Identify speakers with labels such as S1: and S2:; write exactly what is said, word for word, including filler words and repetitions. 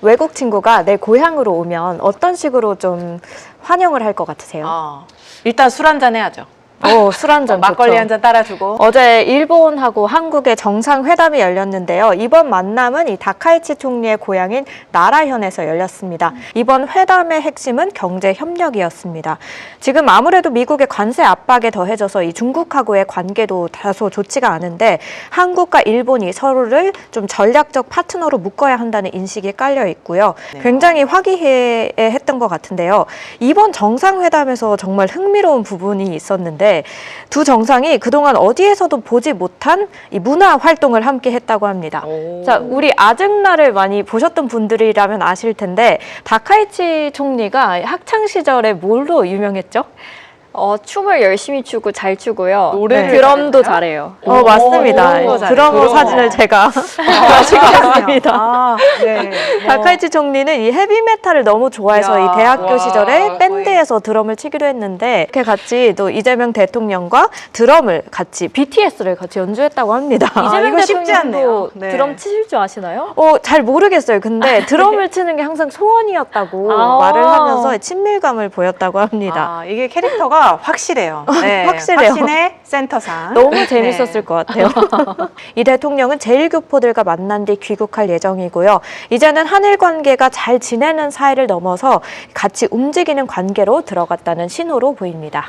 S1: 외국 친구가 내 고향으로 오면 어떤 식으로 좀 환영을 할 것 같으세요?
S2: 어, 일단 술 한잔 해야죠.
S1: 어, 술 한잔
S2: 막걸리 한 잔 따라주고.
S1: 어제 일본하고 한국의 정상회담이 열렸는데요. 이번 만남은 이 다카이치 총리의 고향인 나라현에서 열렸습니다. 이번 회담의 핵심은 경제 협력이었습니다. 지금 아무래도 미국의 관세 압박에 더해져서 이 중국하고의 관계도 다소 좋지가 않은데 한국과 일본이 서로를 좀 전략적 파트너로 묶어야 한다는 인식이 깔려 있고요. 굉장히 화기애애했던 것 같은데요. 이번 정상회담에서 정말 흥미로운 부분이 있었는데 두 정상이 그동안 어디에서도 보지 못한 이 문화 활동을 함께 했다고 합니다.
S2: 오.
S1: 자, 우리 아증나를 많이 보셨던 분들이라면 아실 텐데 다카이치 총리가 학창 시절에 뭘로 유명했죠?
S3: 어, 춤을 열심히 추고 잘 추고요.
S2: 노래를
S3: 드럼도
S2: 잘했나요?
S3: 잘해요.
S1: 어,
S2: 오,
S1: 맞습니다.
S2: 드럼도 잘해요.
S1: 드러머
S2: 드러머.
S1: 사진을 제가
S2: 아,
S1: 찍었습니다.
S2: 아, 네. 뭐.
S1: 다카이치 총리는 이 헤비메탈을 너무 좋아해서
S2: 이야,
S1: 이 대학교
S2: 와,
S1: 시절에 밴드에서 드럼을 치기도 했는데 이렇게 같이 또 이재명 대통령과 드럼을 같이 비티에스를 같이 연주했다고 합니다.
S2: 아,
S3: 이재명
S2: 이거 쉽지 않네요.
S3: 대통령도
S2: 네.
S3: 드럼 치실 줄 아시나요?
S1: 어, 잘 모르겠어요. 근데 드럼을 치는 게 항상 소원이었다고
S3: 아.
S1: 말을 하면서 친밀감을 보였다고 합니다.
S2: 아, 이게 캐릭터가 확실해요. 네,
S1: 확실해요.
S2: 확신의 센터상.
S1: 너무 재밌었을
S2: 네.
S1: 것 같아요. 이 대통령은 제일 교포들과 만난 뒤 귀국할 예정이고요. 이제는 한일 관계가 잘 지내는 사이를 넘어서 같이 움직이는 관계로 들어갔다는 신호로 보입니다.